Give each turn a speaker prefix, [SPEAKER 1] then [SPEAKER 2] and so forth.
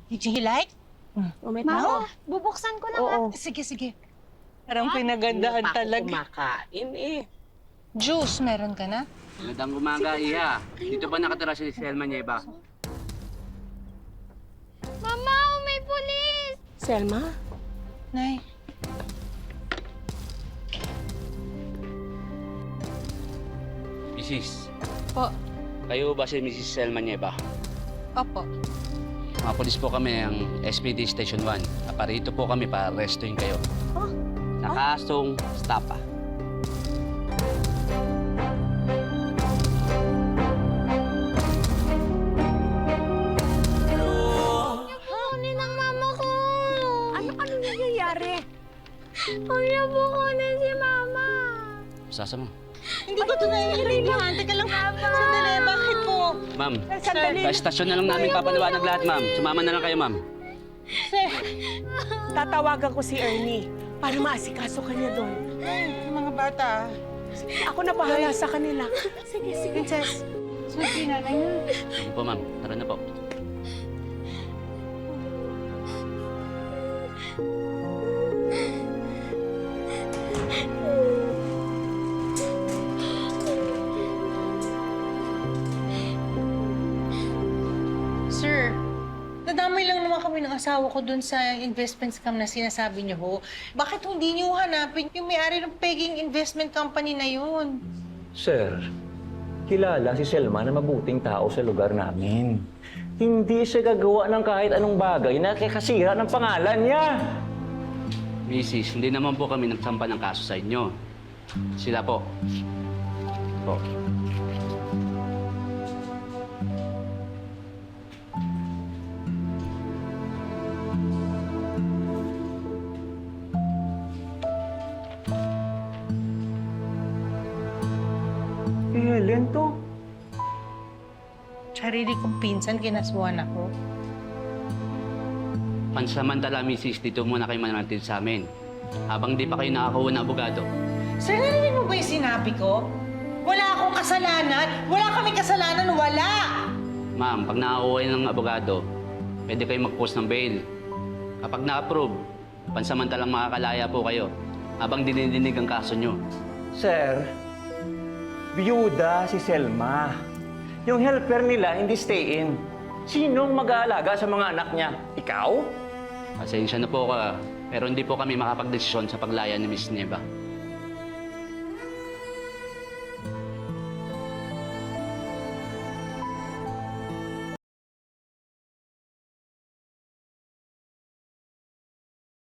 [SPEAKER 1] Did you like?
[SPEAKER 2] Mama, bubuksan ko lang.
[SPEAKER 3] Oo.
[SPEAKER 1] Sige, sige.
[SPEAKER 3] Parang pinagandaan
[SPEAKER 4] Hindi pa ako
[SPEAKER 3] talaga.
[SPEAKER 4] kumakain eh.
[SPEAKER 1] Juice, meron ka na?
[SPEAKER 5] Magandang umaga, Iha. Dito ba nakatira si Selma Nieva?
[SPEAKER 2] Mama, may pulis!
[SPEAKER 3] Selma?
[SPEAKER 1] Nay.
[SPEAKER 5] Mrs.
[SPEAKER 1] Po.
[SPEAKER 5] Kayo ba si Mrs. Selma Nieva?
[SPEAKER 1] Opo.
[SPEAKER 5] Mga polis po kami ang SPD Station 1. Aparito po kami para arrestuin kayo. Sa kasong stapa.
[SPEAKER 2] Kunin ang mama ko!
[SPEAKER 3] Ano nangyayari?
[SPEAKER 2] Huwag niyo po kunin si mama!
[SPEAKER 5] Sasa mo.
[SPEAKER 1] Hindi ko ito naiintindihan. Teka lang. Sandali, bakit po?
[SPEAKER 5] Ma'am,
[SPEAKER 3] Sandali.
[SPEAKER 5] sa estasyon na lang namin papaliwanag lahat, ma'am. Sumama na lang kayo, ma'am.
[SPEAKER 1] Sir.
[SPEAKER 3] Tatawagan ko si Ernie para maasikaso ka niya doon.
[SPEAKER 1] Ay, mga bata.
[SPEAKER 3] Ako na bahala sa kanila. Sige, sige.
[SPEAKER 1] Princess. Sige, nanay na.
[SPEAKER 5] Sige po, ma'am. Tara na po.
[SPEAKER 1] Sir, nadamay lang naman kami ng asawa ko dun sa investment scam na sinasabi niyo ho. Bakit hindi niyo hanapin yung may-ari ng pegging investment company na yun?
[SPEAKER 6] Sir, kilala si Selma na mabuting tao sa lugar namin. Hindi siya gagawa ng kahit anong bagay na kakasira ng pangalan niya.
[SPEAKER 5] Mrs., hindi naman po kami nagsampa ng kaso sa inyo. Sila po. Po.
[SPEAKER 6] Si Helen to.
[SPEAKER 1] Sarili kong pinsan, kinasuhan ako.
[SPEAKER 5] Pansamantala, Mrs., dito muna kayo mananatil sa amin. Habang di pa kayo nakakuha ng abogado.
[SPEAKER 1] Sir, narinig mo ba yung sinabi ko? Wala akong kasalanan. Wala kami kasalanan. Wala!
[SPEAKER 5] Ma'am, pag nakakuha kayo ng abogado, pwede kayo mag-post ng bail. Kapag na-approve, pansamantalang makakalaya po kayo habang dinidinig ang kaso nyo.
[SPEAKER 6] Sir, biyuda si Selma. Yung helper nila hindi stay in. Sinong mag-aalaga sa mga anak niya? Ikaw?
[SPEAKER 5] Pasensya na po ka, pero hindi po kami makapagdesisyon sa paglaya ni Miss Nieva.